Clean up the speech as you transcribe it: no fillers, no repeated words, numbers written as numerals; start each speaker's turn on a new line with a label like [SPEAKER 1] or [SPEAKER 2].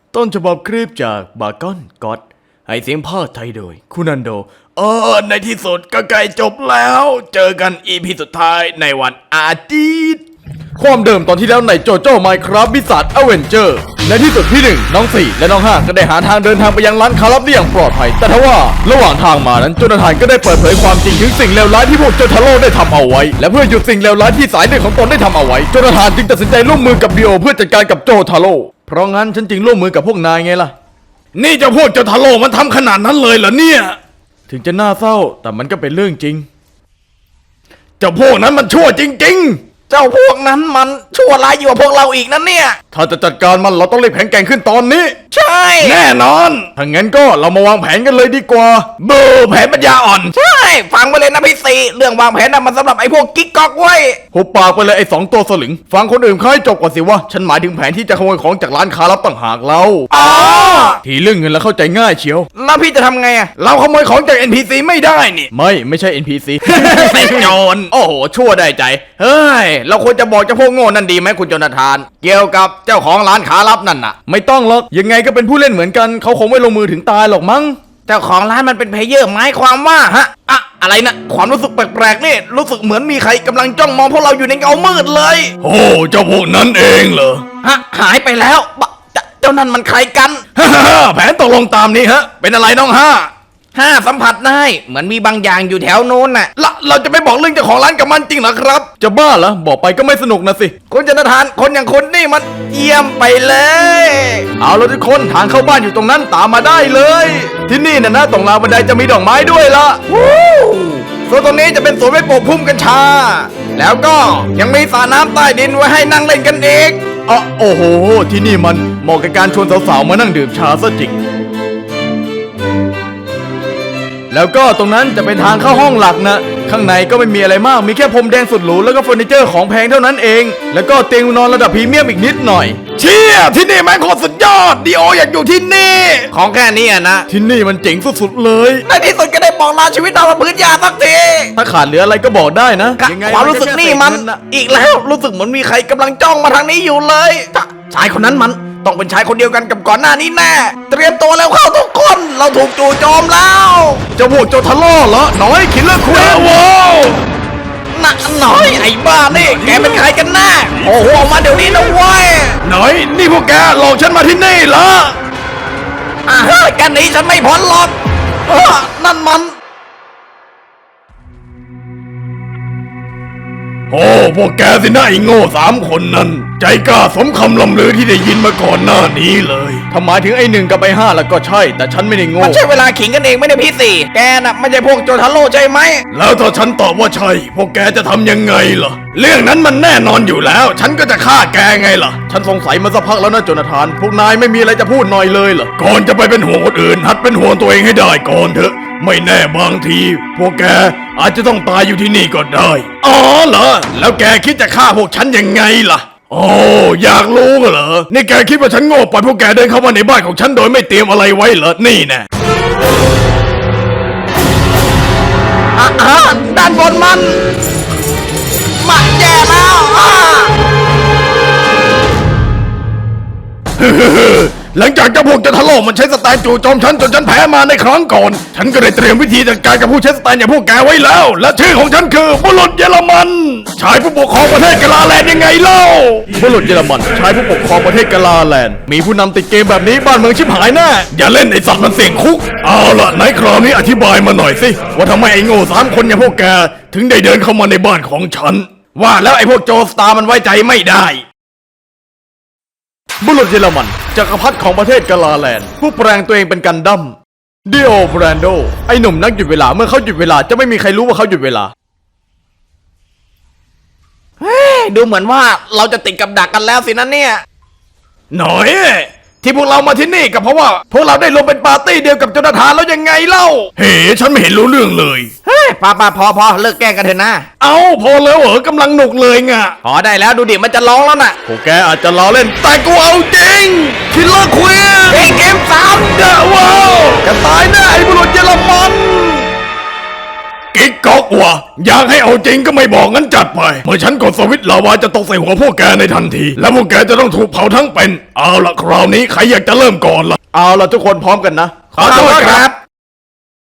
[SPEAKER 1] ต้นฉบับคลิปจากบากอนก็อดให้เสียงภาคไทยโดยคุณอันโดในที่สุดก็ใกล้จบแล้วเจอกันอีพีสุดท้ายในวันอาทิตย์ความเดิมตอนที่แล้วในโจโจ้ไมค์ครับบิสซัทอเวนเจอร์ในที่สุดพี่1น้อง4และน้อง5ก็ได้หาทางเดินทางไปยังร้านค้าลับได้อย่างปลอดภัยแต่ทว่าระหว่างทางมานั้นโจนาธานก็ได้เปิดเผยความจริงถึงสิ่งเลวร้ายที่พวกโจทาโร่ได้ทำเอาไว้และเพื่อหยุดสิ่งเลวร้ายที่สายเลือดของตนได้ทำเอาไว้โจนาธานจึงตัดสินใจร่วมมือกับดิโอเพื่อจัดการกับโจทาโร่เพราะงั้นฉันจึงร่วมมือกับพวกนายไงล่ะนี่เจ้าพวกโจทาโร่มันทำขนาดนั้นเลยเหรอเนี่ยถึงจะน่าเศร้าแต่มันก็เป็นเรื่องจริงเจ้าพวกนั้นมันชั่วจริงๆเจ้าพวกนั้นมันชั่วร้ายยิ่งกว่าพวกเราอีกนั่นเนี่ยถ้าจะจัดการมันเราต้องรีบแข็งแกร่งขึ้นตอนนี้ใช่แน่นอนถ้างั้นก็เรามาวางแผนกันเลยดีกว่าเบอร์แผนปัญญาอ่อน
[SPEAKER 2] ใช่ฟังไปเลยนะพี่สีเรื่องวางแผนน่ะมันสำหรับไอ้พวกกิ๊กก๊อกไว้
[SPEAKER 1] หุบปากไปเลยไอ้2ตัวสลึงฟังคนอื่นเขาให้จบก่อนสิวะฉันหมายถึงแผนที่จะขโมยของจากร้านค้าลับต่างหากเราทีเรื่องเงินแล้วเข้าใจง่ายเชียว
[SPEAKER 2] แล้วพี่จะทำไงอะ
[SPEAKER 1] เราขโมยของจาก NPC ไม่ได้นี่ไม่ใช่ NPC
[SPEAKER 2] เป็นโจร
[SPEAKER 1] โอ้โหชั่วได้ใจเฮ้ยเราควรจะบอกเจ้าพวกโง่นั่นดีไหมคุณโจนาธานเกี่ยวกับเจ้าของร้านค้าลับนั่นน่ะไม่ต้องหรอกยังไงก็เป็นผู้เล่นเหมือนกันเขาคงไม่ลงมือถึงตายหรอกมั้ง
[SPEAKER 2] เจ้าของร้านมันเป็นเพลเยอร์หมายความว่าฮะอะไรนะความรู้สึกแปลกๆนี่รู้สึกเหมือนมีใครกำลังจ้องมองพวกเราอยู่ในเงามืดเลย
[SPEAKER 1] โอ้เจ้าพวกนั้นเองเหรอ
[SPEAKER 2] หายไปแล้วเจ้านั่นมันใครกัน
[SPEAKER 1] แผนตกลงตามนี้ฮะเป็นอะไรน้องห้า
[SPEAKER 2] สัมผัสได้เหมือนมีบางอย่างอยู่แถวโน้นน่ะ
[SPEAKER 1] เราจะไม่บอกเรื่องเจ้าของร้านกับมันจริงเหรอครับจะบ้าเหรอบอกไปก็ไม่สนุกนะสิ
[SPEAKER 2] คุณจนทานคนอย่างคุณนี่มันเยี่ยมไปเลย
[SPEAKER 1] เอาละทุกคนทางเข้าบ้านอยู่ตรงนั้นตามมาได้เลยที่นี่นะตรงราวบันไดจะมีดอกไม้ด้วยละ
[SPEAKER 2] ส่วนตรงนี้จะเป็นสวนไม้ปลูกพุ่มกัญชาแล้วก็ยังมีสระน้ำใต้ดินไว้ให้นั่งเล่นกันอีก
[SPEAKER 1] โอ้โหที่นี่มันเหมาะกับการชวนสาวๆมานั่งดื่มชาซะจริงแล้วก็ตรงนั้นจะเป็นทางเข้าห้องหลักนะข้างในก็ไม่มีอะไรมากมีแค่พรมแดงสุดหรูแล้วก็เฟอร์นิเจอร์ของแพงเท่านั้นเองแล้วก็เตียงนอนระดับพรีเมียมอีกนิดหน่อยเชี่ยที่นี่แม่งโคตรสุดยอดดิโออยากอยู่ที่นี่
[SPEAKER 2] ของแค่นี้นะ
[SPEAKER 1] ที่นี่มันเจ๋งสุดๆเลย
[SPEAKER 2] ในที่สุดก็ได้บอกลาชีวิตเราบนพื้นหญ้าสักที
[SPEAKER 1] ถ้าขาดเหลืออะไรก็บอกได้นะ
[SPEAKER 2] ความรู้สึกนี่มันอีกแล้วรู้สึกเหมือนมีใครกำลังจ้องมาทางนี้อยู่เลยชายคนนั้นมันต้องเป็นชายคนเดียวกันกับก่อนหน้านี้แน่เตรียมตัวแล้วเข้าทุกคนเราถูกจู่โจมแล้ว
[SPEAKER 1] เจ้าพวกโจทาโร่เหรอน้อยคิลเลอร์ควีนว้าว
[SPEAKER 2] น่ะน้อยไอ้บ้านี่แกเป็นใครกันแน่โอ้โหออกมาเดี๋ยวนี้นะเว้ย
[SPEAKER 1] น้อยนี่พวกแกหลอกฉันมาที่นี่เหรอ
[SPEAKER 2] กันนี้ฉันไม่พ้นหรอกนั่นมัน
[SPEAKER 1] โอ้พวกแกสินะไอ้โง่3คนนั้นใจกล้าสมคำลำลือที่ได้ยินมาก่อนหน้านี้เลยถ้าหมายถึงไอ้1กับไอ้5แล้วก็ใช่แต่ฉันไม่ได้โง่
[SPEAKER 2] มันใช่เวลาขิงกันเองไม่ได้พี่สี่แกน่ะไม่ใช่พวกโจทาโร่ใช่ไหม
[SPEAKER 1] แล้วถ้าฉันตอบว่าใช่พวกแกจะทำยังไงล่ะเรื่องนั้นมันแน่นอนอยู่แล้วฉันก็จะฆ่าแกไงล่ะฉันสงสัยมาสักพักแล้วนะโจนาธานพวกนายไม่มีอะไรจะพูดหน่อยเลยเหรอก่อนจะไปเป็นห่วงคนอื่นหัดเป็นห่วงตัวเองให้ได้ก่อนเถอะไม่แน่บางทีพวกแกอาจจะต้องตายอยู่ที่นี่ก็ได้อ๋อเหรอแล้วแกคิดจะฆ่าพวกฉันยังไงล่ะโอ้อยากรู้เหรอนี่แกคิดว่าฉันโง่ปล่อยพวกแกเดินเข้ามาในบ้านของฉันโดยไม่เตรียมอะไรไว้เหรอนี่แน่
[SPEAKER 2] ด้านบนมันแย่แล้ว
[SPEAKER 1] หลังจากเจ้าพวกจะทะเลาะมันใช้สแตนจู่โจมฉันจนฉันแพ้มาในครั้งก่อนฉันก็ได้เตรียมวิธีจัดการกับผู้ใช้สแตนอย่างพวกแกไว้แล้วและชื่อของฉันคือบุรุษเยอรมันชายผู้ปกครองประเทศกาลาแลนด์ยังไงเล่าบุรุษเยอรมันชายผู้ปกครองประเทศกาลาแลนด์มีผู้นำติดเกมแบบนี้บ้านเมืองชิบหายแน่อย่าเล่นไอ้สัตว์มันเสี่ยงคุกเอาล่ะไหนคราวนี้อธิบายมาหน่อยสิว่าทำไมไอ้โง่3คนอย่างพวกแกถึงได้เดินเข้ามาในบ้านของฉันว่าแล้วไอ้พวกโจสตาร์มันไว้ใจไม่ได้บุรุษเยอรมันจักรพรรดิของประเทศกาลาแลนด์ผู้แปลงตัวเองเป็นกันดั้มดิโอแบรนโดไอ้หนุ่มนักหยุดเวลาเมื่อเขาหยุดเวลาจะไม่มีใครรู้ว่าเขาหยุดเวลา
[SPEAKER 2] ดูเหมือนว่าเราจะติดกับดักกันแล้วสินะเนี่ย
[SPEAKER 1] หน่อยที่พวกเรามาที่นี่ก็เพราะว่าพวกเราได้ลงเป็นปาร์ตี้เดียวกับโจนาธานแล้วยังไงเล่าเฮ้ฉันไม่เห็นรู้เรื่องเลย
[SPEAKER 2] พอเลิกแกล้งกันเถอะนะ
[SPEAKER 1] เอาพอแล้วเหรอกำลังหนุกเลยไง
[SPEAKER 2] พอได้แล้วดูดิมันจะร้องแล้วน่ะ
[SPEAKER 1] พวกแกอาจจะล้อเล่นแต่กูเอาจริงคิลเลอร์ควีน
[SPEAKER 2] เกม3
[SPEAKER 1] เดอะว้าวจะตายแน่ไอ้บุรุษเยอรมันแกกิ๊กก๊อกว่ะอยากให้เอาจริงก็ไม่บอกงั้นจัดไปเมื่อฉันกดสวิตช์ลาวาจะตกใส่หัวพวกแกในทันที และพวกแกจะต้องถูกเผาทั้งเป็นเอาละคราวนี้ใครอยากจะเริ่มก่อนล่ะ
[SPEAKER 2] เอาละทุกคนพร้อมกันนะ
[SPEAKER 1] ขอโทษครับ